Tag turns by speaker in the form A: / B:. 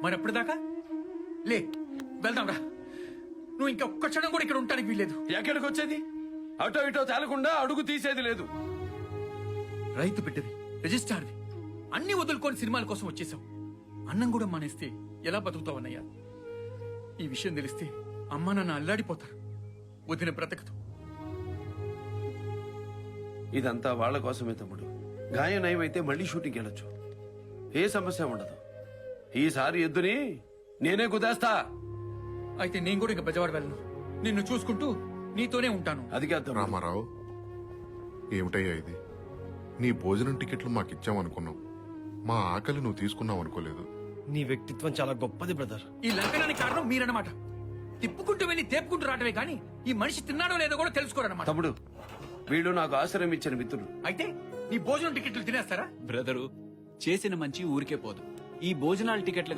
A: మరి అప్పటిదాకా లే వెళ్దాం రా. నువ్వు ఇంకా ఒక్క క్షణం కూడా ఇక్కడ ఉండటానికి వీల్లేదు.
B: ఎక్కడికి వచ్చేది? అటో ఇటో తేలకుండా అడుగు తీసేది లేదు.
A: రైతు బిడ్డవి, రిజిస్టార్వి, అన్ని వదులుకొని సినిమాల కోసం వచ్చేసావు. అన్నం కూడా మానేస్తే ఎలా బతుకుతావన్నయ్యా? ఈ విషయం తెలిస్తే అమ్మా నాన్న అల్లాడిపోతారు. వదిన బ్రతకదు.
B: ఇదంతా వాళ్ళ కోసమే తమ్ముడు. గాయం నయమైతే మళ్ళీ షూటింగ్ వెళ్ళొచ్చు. ఏ సమస్య ఉండదు. ఈసారి ఎద్దుని నేనే కుదేస్తా.
A: అయితే నేను కూడా ఇంకా బెజవాడ వెళ్ళను. నిన్ను చూసుకుంటూ నీతోనే ఉంటాను.
B: అది కాదు తమ్ముడు.
C: రామారావు, ఏమిటయ్యా ఇది? నీ భోజనం టికెట్లు మాకిచ్చావనుకున్నావు. మా ఆకలి నువ్వు తీసుకున్నావు అనుకోలేదు.
D: నీ వ్యక్తిత్వం చాలా గొప్పది బ్రదర్.
A: ఈ లంకనానికి కారణం మీరన్నమాట. తిప్పుకుంటూ వెళ్ళి తేపుకుంటూ రావటమే కానీ ఈ మనిషి తిన్నాడో లేదో కూడా తెలుసుకోరన్నమాట.
B: తమ్ముడు, వీళ్ళు నాకు ఆశ్రయం ఇచ్చిన మిత్రులు.
A: అయితే నీ భోజనం టికెట్లు తినేస్తారా?
E: బ్రదరు, చేసిన మంచి ఊరికే పోదు. ఈ భోజనాల టికెట్ల